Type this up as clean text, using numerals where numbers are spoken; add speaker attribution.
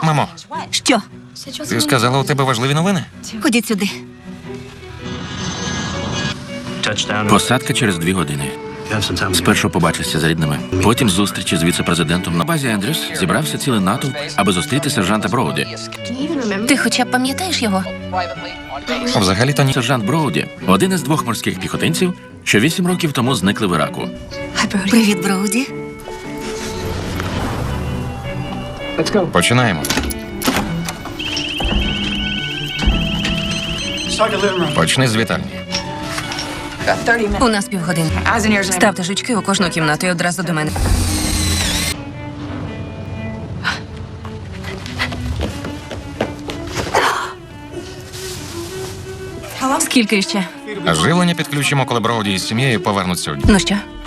Speaker 1: Мамо,
Speaker 2: Що?
Speaker 1: ти сказала, у тебе важливі новини?
Speaker 2: Ходіть сюди.
Speaker 3: Посадка через 2 години. Спершу побачишся з рідними, потім зустрічі з віце-президентом. На базі Ендрюс зібрався цілий натовп, аби зустріти сержанта Броуді.
Speaker 2: Ти хоча б пам'ятаєш його?
Speaker 1: Взагалі-то ні.
Speaker 3: Сержант Броуді – один із 2 морських піхотинців, що 8 років тому зникли в Іраку.
Speaker 2: Привіт, Броуді.
Speaker 1: Починаємо. Почни з вітальні.
Speaker 2: У нас півгодини. Ставте жучки у кожну кімнату і одразу до мене. Скільки ще?
Speaker 1: Живлення підключимо, коли Броуді із сім'єю повернуться.
Speaker 2: Ну що?